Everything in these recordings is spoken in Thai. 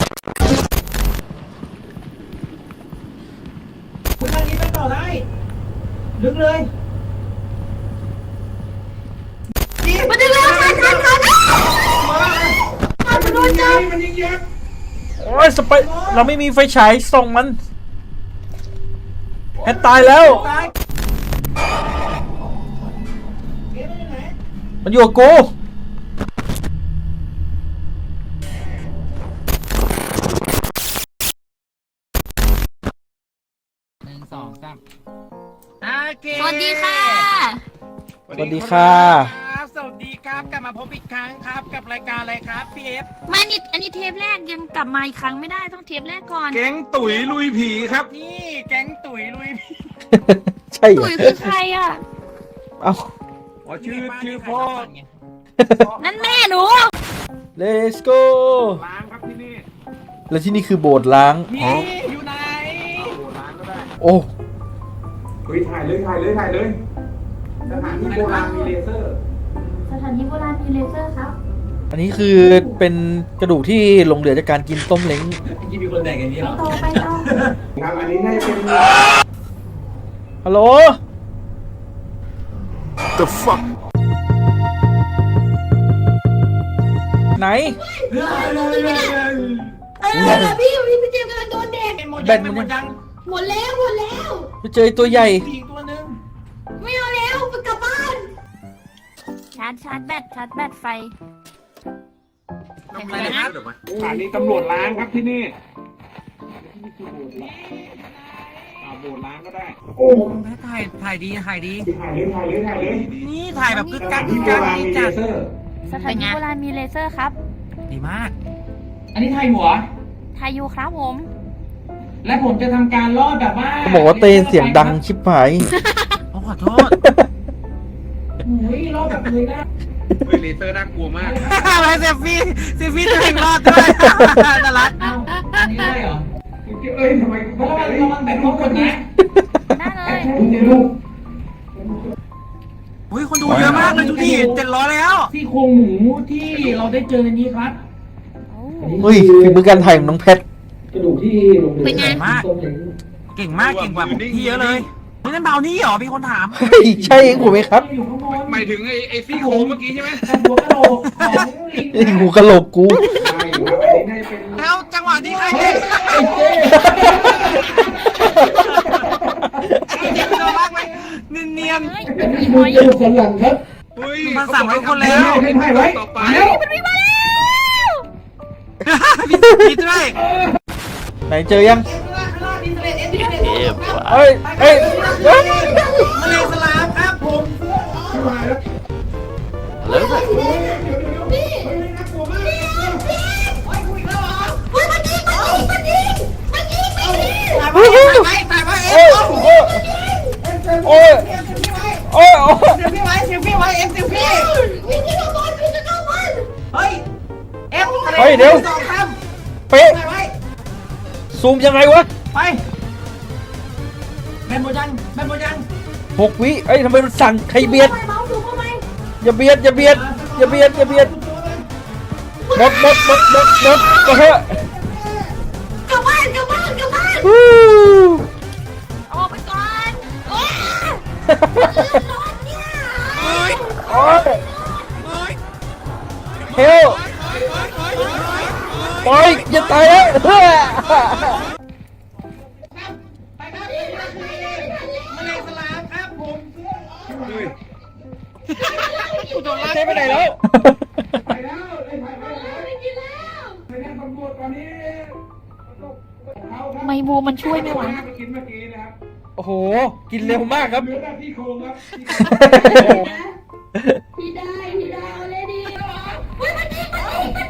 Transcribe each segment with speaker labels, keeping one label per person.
Speaker 1: คุณทางนี้ไปต่อได้ลึกเลย
Speaker 2: มันจะเร็วทันมันโดนจับ
Speaker 1: มันยิงยักษ์
Speaker 3: โอ้ยสไปเราไม่มีไฟฉายส่องมันแฮตตายแล้วมันอยู่กับกู
Speaker 1: 1 2 3โอเค
Speaker 2: สวัสดีค่ะ
Speaker 3: สวัสดีค่ะ
Speaker 1: สวัสดีครับกลับมาพบอีกครั้งครับกับรายการอะไรครับพี่เอฟ
Speaker 2: ไม่นี่อันนี้เทปแรกยังกลับมาอีกครั้งไม่ได้ต้องเทปแรกก่อน
Speaker 4: แก๊งตุ๋ยลุยผีครับ
Speaker 1: นี่แก๊งตุ๋ยลุยผี
Speaker 3: ใช่เหร
Speaker 2: ตุ๋
Speaker 3: อย
Speaker 2: คือใครอ่ะ
Speaker 3: เอ้า
Speaker 4: อ๋อชื่อพ่อ
Speaker 2: นั่นแม่หนู
Speaker 3: Let's go
Speaker 4: ล้างครับที่นี่
Speaker 3: แล้วที่นี่คือโบสถ์ล้าง
Speaker 1: นี่อยู่ไหน
Speaker 4: โอ้ล้างก็ได้
Speaker 3: โอ้
Speaker 4: เฮ้ยถ่ายเลยสถานที่โบราณมีเลเซอร์
Speaker 2: สถานที่โบราณมีเลเซอร์ครับ
Speaker 3: อันนี้คือเป็นกระดูกที่หลงเหลือจากการกินต้มเล้ง
Speaker 1: กินมีคนแดกอย่างนี้เหรอ
Speaker 2: ไปต่อ
Speaker 4: ครับอันนี้น่าจะเป็น
Speaker 3: ฮัลโหล
Speaker 4: The fuck
Speaker 3: ไหน
Speaker 2: พี่เจมส์กำลังโดนเด็ก
Speaker 1: เป็นหมด
Speaker 3: แบ
Speaker 1: ยั
Speaker 3: น
Speaker 1: ง
Speaker 3: มัน
Speaker 1: เป็นหมดยัง
Speaker 2: หมดแล้ว
Speaker 3: ไปเจอตัวใหญ่
Speaker 1: มีอีกตัวหนึง
Speaker 2: ไม่เอาแล้วไปกลับบ้านชาร์จแบตไฟ
Speaker 1: ทำอะไรนะครับ
Speaker 4: สถานีตำรวจล้างครับที่นี่โบสถ์ล้างก็ได้
Speaker 1: ถ่ายดี
Speaker 4: ถ่ายเลย
Speaker 1: นี่ถ่ายแบบกึกกัก
Speaker 4: ที่โบราณ
Speaker 1: นี่
Speaker 4: มีเล
Speaker 1: จัด
Speaker 4: เซอร์
Speaker 2: สถานที่โบราณมีเลเซอร์ครับ
Speaker 1: ดีมาก อันนี้ถ่ายหัว
Speaker 2: ทายูครับผม
Speaker 1: และผมจะทำการลอดแบบว่า
Speaker 3: เขาบอกว่าเตนเสียงดังชิบหาย
Speaker 1: ขอโทษอุ้ยลอดแบบเลยนะ
Speaker 4: เฮ้ยเลเซอร์น่ากลัวมาก
Speaker 1: อะไรเซฟี่ตัวเองรอดด้วยน่ารักเอ้าอันนี้ได้เหรอ
Speaker 4: เอ้ยทำไม
Speaker 1: ระวังแบบทุกคนนะ
Speaker 2: ได้เลย
Speaker 1: อุ้ยคนดูเยอะมากเลยดูดิ700แล้วซี่โครงหมูที่เราได้เจอในนี้ครับ
Speaker 3: เฮ้ยฝีมือการถ่ายของน้องแพท
Speaker 1: กระดูกที่ลง
Speaker 2: เป็นไง
Speaker 1: เก่งมากเก่งกว่าพี่เยอะเลยนี่นั่นเบานี่เหรอมีคนถาม
Speaker 3: เฮ้ยใช่เองผมไหมครับ
Speaker 1: อยู่ข้างบน
Speaker 4: หมายถึงไอ้ซี่โครงเมื่อกี้ใช่ไหม
Speaker 1: หัวกะโหลกของลิง
Speaker 3: ไอ้หูกะโหลกกู
Speaker 4: ใช่ครับอันนี้น่าจะเป็น
Speaker 1: แล้วจังหวะที่ใครเด็กเจ็บตัวมากไหมเนียน
Speaker 2: เฮ้ยมีหอย
Speaker 4: เฮ้ย
Speaker 1: มาสั่งไว้คนแล้ว
Speaker 4: ให้ถ่ายไว้ต่อไป
Speaker 2: มันวิ่งมาแล้ว
Speaker 1: ผิดด้วย
Speaker 3: ไหนเจอยังเอ้ยเอ้ย
Speaker 1: มะเร็งสลามครับผม
Speaker 3: โอ้ยโอ้ยโอ้ยโอ้ย
Speaker 1: เซลฟี่ไว้เซลฟี่ไว้เอฟเซลฟี่เฮ้ยเอฟ
Speaker 3: เฮ้ยเดี๋ยว
Speaker 1: สองค
Speaker 3: เป๊ะ
Speaker 1: ำถ่ายไว้
Speaker 3: ซูมยังไงวะ
Speaker 1: ไปแบนโมยัง
Speaker 3: 6 วิเอ้ยทำไมมันสั่นใครเบียดอย่าเบียดหมดก็เถอะ
Speaker 2: กลับบ้าน
Speaker 3: ฮู้
Speaker 2: ออกไปก่อนโอ้ยร้อนเนี่ย
Speaker 3: โอ้ยเฮลปล่อยอย่าตายแล้ว
Speaker 1: มะเร็งสลามครับผม
Speaker 4: เฮ้ย
Speaker 3: ใช่ไปไหนแล้ว
Speaker 4: ไปแล้วได้ถ่ายไว้แล้วไปแจ้งตำรวจตอนนี้
Speaker 2: ไมบูมันช่วยไม่ไหว
Speaker 4: ไปกินเมื่อกี้นะครับ
Speaker 3: โอ้โหกินเร็วมากครับ
Speaker 4: เหลือแต่ที่โครงครับ
Speaker 2: พี่ได้เอาเลยดิเฮ้ยมันยิง
Speaker 1: ถ่ายไว้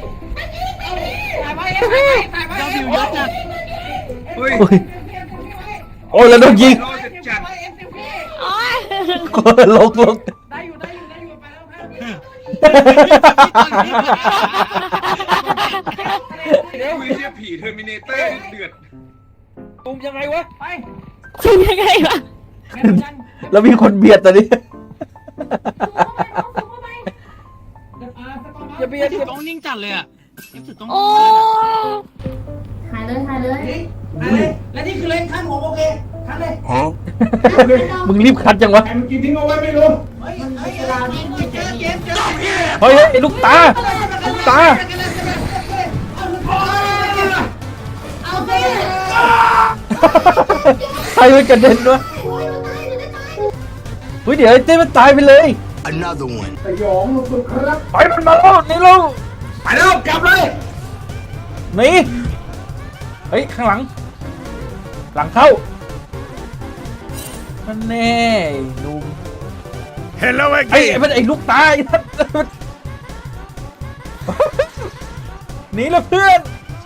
Speaker 1: เจ้าดิวเยอะจัด
Speaker 4: เฮ้ย
Speaker 3: โอ้ยแล้วโดนยิง
Speaker 4: รอจัด
Speaker 1: เอฟเซลฟี่
Speaker 2: โอ้ย
Speaker 3: ลง
Speaker 1: ได้อยู่ไปแล้วครับ
Speaker 4: คุยเชี่ยผีเทอร์มินเตอร์เดือด
Speaker 3: ซูมยังไงวะ
Speaker 1: ไป
Speaker 2: ซูมยังไงวะ
Speaker 1: แบนโมยัง
Speaker 3: แล้วมีคนเบียดตอนนี้ อย่าเบียด
Speaker 1: ต้องนิ่งจัดเลยอ่ะรู้สึกต้อง
Speaker 2: โอ้
Speaker 1: และนี่คือเลนขั้นผมโอเคขั้นเลย
Speaker 5: มึงรีบคัดจังวะ
Speaker 4: ใครมันกินทิ้งเอาไว้ไม่รู้
Speaker 1: เฮ้ยเจอเกมเจอ
Speaker 5: เฮ้ยไอ้ลูกตาลูกตา
Speaker 2: เอาไป
Speaker 5: ใครมันกระเด็นวะ
Speaker 2: โอ้ยมันตายมันตาย
Speaker 5: เฮ้ยเดี๋ยวไอ้เต้มันตายไปเลย
Speaker 6: Another one.
Speaker 4: สยองสุดๆครับ
Speaker 5: ไปมันมาแล้วนี่เรา
Speaker 1: ไปแล้วกลับเลย
Speaker 5: หนีเฮ้ยข้างหลัง หลังเข้ามันแน่ดู
Speaker 6: Hello
Speaker 5: ไอ้
Speaker 6: again.
Speaker 5: มันไอ้ลูกตาไอ้นั่นหนีแล้วเพื่อน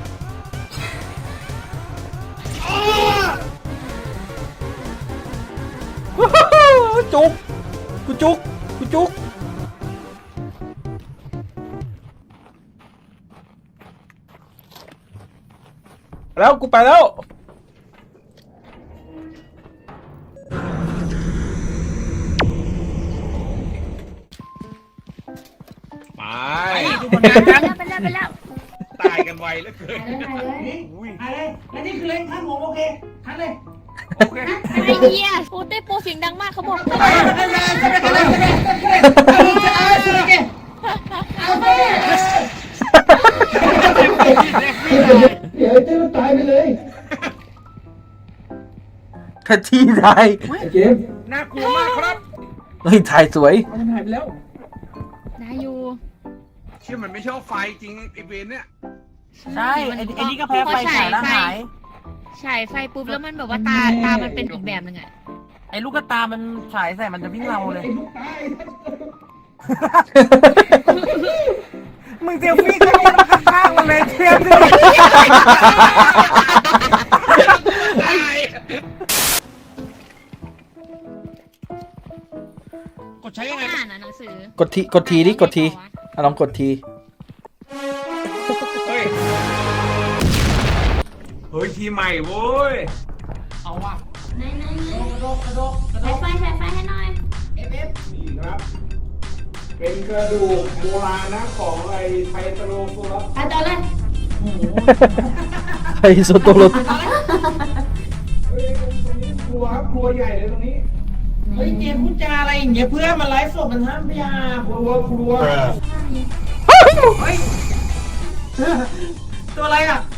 Speaker 5: จุกกูจุกกูจุกแล้วกูไปแล้ว
Speaker 6: ไป
Speaker 2: ไปแล้ว
Speaker 6: ตายกันไวเหลือเกิน
Speaker 1: อะไรและนี่คือเลนขั้นผมโอเคขั้นเลย
Speaker 6: โอเค
Speaker 2: ไอ้เหี้ยโปเต้โปเสียงดังมากเขาบอก
Speaker 1: เอาไป
Speaker 3: เดี๋ยวไอ้เต้มันตายไปเลย
Speaker 5: แค่ที่ไทย
Speaker 3: ไอ้เจมส์
Speaker 6: น่ากลัวมากครับ
Speaker 5: เฮ้ยถ่ายสวย
Speaker 3: เอามันหายไปแล้ว
Speaker 2: ได้อยู่
Speaker 6: เชื่อมันไม่ชอบไฟจริงไอเวนเนี่ย
Speaker 1: ใช่ไอ้นี่ก็แพ้ไฟฉายแล้วหาย
Speaker 2: ฉายไฟปุ๊บแล้วมันแบบว่าตามันเป็นอีกแบบหนึ่งอะ
Speaker 1: ไอ้ลูกตามันฉายใส่มันจะวิ่งเราเลย
Speaker 3: ไอ้ลูกตาย
Speaker 1: มึงเซลฟี่ก็ยืนข้างๆมันเลยเทียบดิ
Speaker 6: กดใช้ยังไง
Speaker 2: อ่านหนังสือก
Speaker 5: ดทีดิกดทีอ่ะลองกดที
Speaker 6: เฮ้ย เฮ้ยทีใหม่โว้ย
Speaker 1: เอาว่ะ
Speaker 2: ไหน
Speaker 1: กระโดด
Speaker 2: ใช้ไฟให้หน่อย
Speaker 1: เอฟ
Speaker 4: นี่ครับ เป็นกระดูกโบราณนะของไอ้ไทโตโรโซลัส
Speaker 2: ไปต่อเลย
Speaker 5: ไอ้โซโตโร
Speaker 4: เฮ้ยตรงนี้ครัวครับครัวใหญ่เลยตรงนี้
Speaker 1: เฮ้ยเจมพูดจาอะไรอย่างเงี้ยเพื่อนมันไลฟ์สดมันห้ามพยา
Speaker 4: ครัว
Speaker 1: เฮ้ยตัวอะไรอ่ะ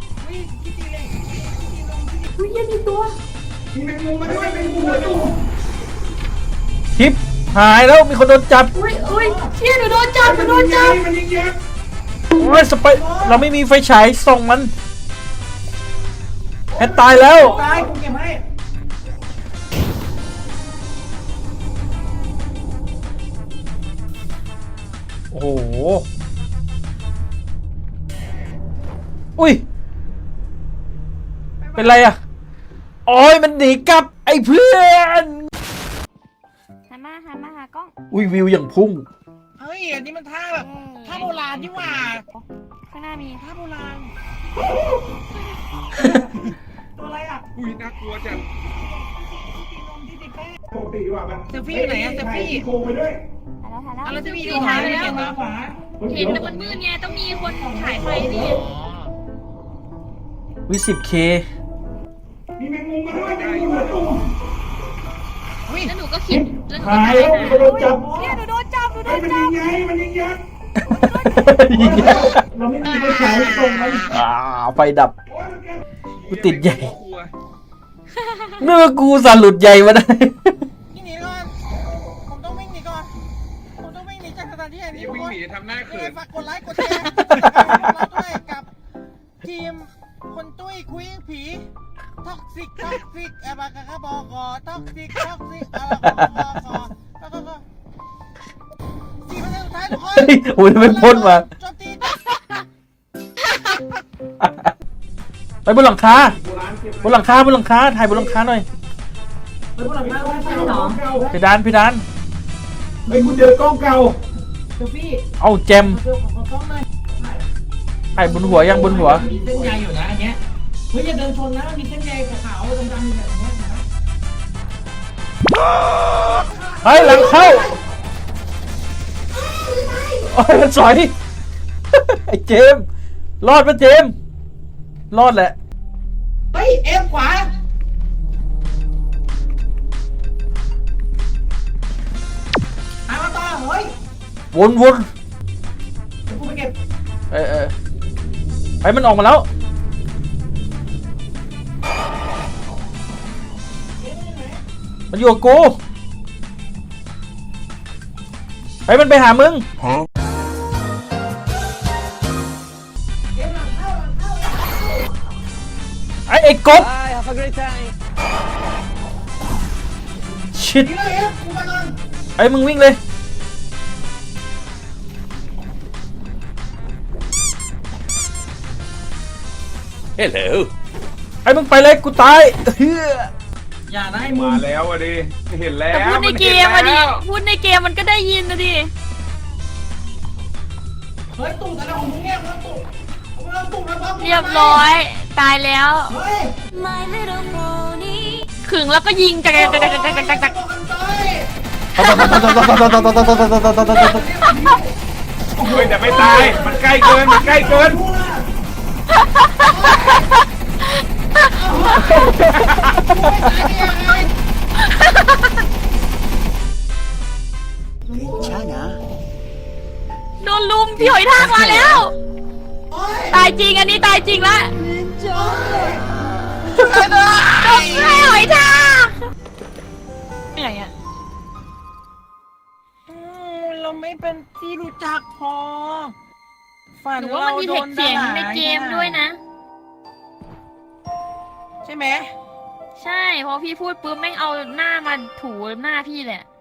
Speaker 2: อุ้ยยังมีตัว
Speaker 4: มีแมงมุมมาด้วยแมงมุมมาด้วย
Speaker 5: คลิปหายแล้วมีคนโดนจับ
Speaker 2: อุ้ยเชี่ยหนูโดนจับ
Speaker 4: มันยิงยักษ์
Speaker 5: โอ้ยสไปเราไม่มีไฟฉายส่องมันแฮตตายแล้ว
Speaker 1: ตายกูเก็บให้
Speaker 5: โอ้โหอุ้ยเป็นไรอ่ะโอ้ยมันหนีกลับไอ้เพื่อน
Speaker 2: หันมาหากล้อง
Speaker 5: อุ้ยวิวอย่างพุ่ง
Speaker 1: เฮ้ยอันนี้มันท่าแบบท่าโบราณนี่หว่า
Speaker 2: ข้างหน้ามี
Speaker 1: ท่าโบราณตัวอะไรอ่ะ
Speaker 6: อุ้ยน่ากลัวจัง
Speaker 4: ปกติว่ามัน
Speaker 1: เซลฟี่อยู่ไหนอะเซลฟี่
Speaker 4: โคงไปด้วย
Speaker 2: ถ่ายแล้ว
Speaker 1: อะไรจะมี
Speaker 2: ดู
Speaker 1: ดู
Speaker 2: ถ่า
Speaker 1: หาย ย
Speaker 2: แล้
Speaker 1: เห็น
Speaker 2: ว
Speaker 1: ตาขวา
Speaker 2: เห็นแต่มันมืดไงต้องมีคนถ่ายไฟนี่
Speaker 5: วิ10K
Speaker 4: มีแมงมุมมาด้วยแมงมุมมาตุ้ม
Speaker 2: แล้วหนูก็คิดแล้วหนูก็
Speaker 3: หายแล้วมีคนโดนจับ
Speaker 2: เนี่ยหนูโดนจับ
Speaker 4: เฮ้ยมันยิงไงมันยิงยักษ์
Speaker 3: เราไม่มีไฟฉายส่งมัน
Speaker 5: ไฟดับ
Speaker 4: โอ้ยมันแก
Speaker 5: กูติดใหญ่
Speaker 6: กลัว
Speaker 5: เมื่อกูสาหลุดใหญ่มาได้
Speaker 1: พี่หนีก่อนผมต้องวิ่งหนีก่อนผมต้องวิ่งหนีจากสถานที่แห่งนี้
Speaker 6: นี่
Speaker 1: ทุก
Speaker 6: วิ่ง
Speaker 1: คน
Speaker 6: หนีทำหน้าเขิน
Speaker 1: ฝากกดไลค์กดแชร์เราด้วยกับทีมคนตุ้ยคุยผีท็อกซิกบากากาบอกอท็อกซิกอะไรก็4%สุดท้ายทุกคน
Speaker 5: เฮ้ยโอ้ยมันพ่นมา
Speaker 1: โจมตี
Speaker 5: ไปบนหลังคา
Speaker 4: โบราณเก็บบ
Speaker 5: นหลังคาถ่ายบนหลังคาหน่อย
Speaker 1: ไปพวกหลังคาไว้ไฟหรอ
Speaker 4: เก่า
Speaker 5: เพดาน
Speaker 4: เฮ้ยกูเจอกล้องเก่า
Speaker 1: เซลฟี่
Speaker 5: เอาแจม
Speaker 1: เซลของกล้องหน่อย
Speaker 5: ถ่ายบนหัวยังบนหัว
Speaker 1: มีเส้นใยอยู่นะอันเนี้ยเฮ้ยอย่าเดินชนนะมีเส้นใยขาวๆดำๆแบบนี้นะ
Speaker 5: เฮ้ยหลังเข้าโอ้ยมันสอย ไอ้เจมส์รอดปะเจมส์รอดแหละ
Speaker 3: เฮ้ยเอฟขวาหามาต่อเฮ้ย
Speaker 5: วน
Speaker 3: เดี๋ยวกูไปเก็บ
Speaker 5: ไปมันออกมาแล้ว มันอยู่กับกูไปมันไปหามึง ไอ้กบชิด
Speaker 3: นี่เลยเอฟกูมาก่อน
Speaker 5: ไอ้มึงวิ่งเลย
Speaker 7: Hello.
Speaker 5: ไอ้มึงไปเลยกูตายเฮ้ย
Speaker 3: อย่าได้มึ
Speaker 6: มาง แล้วอ่ะดิเห็นแล้ว
Speaker 2: แต่พูดในเกมอะดิพูดในเกมมันก็ได้ยินนะดิ
Speaker 3: เฮ้ยตู่แต่ละของมึงเนี่ยมึงตู่มึงตู่แล้วปั๊บ
Speaker 2: เรียบร้อย ตายแล้ว
Speaker 3: เฮ้ย
Speaker 2: ขึงแล้วก็ยิงจักจักจักจักจักจักจัก
Speaker 3: บอกกันไป
Speaker 6: เฮ้ยแต่ไม่ตาย มันใกล้เกิน มันใกล้เกิน
Speaker 3: ดูนะ
Speaker 2: โดนลุมพี่หอยทากมาแล้ว
Speaker 3: โอ้ย
Speaker 2: ตายจริงอันนี้ตายจริงละโดนให้หอยทากเหนื่อยอะ
Speaker 1: เราไม่เป็นที่รู้จักพอฝัน
Speaker 2: หรือว่ามันมี
Speaker 1: โด
Speaker 2: เทคเสียงในเกมด้วยนะ
Speaker 1: ใช่ไหม
Speaker 2: ใช่เพราะพี่พูดปุ๊บแม่งเอาหน้ามาถูหน้าพี่แหละ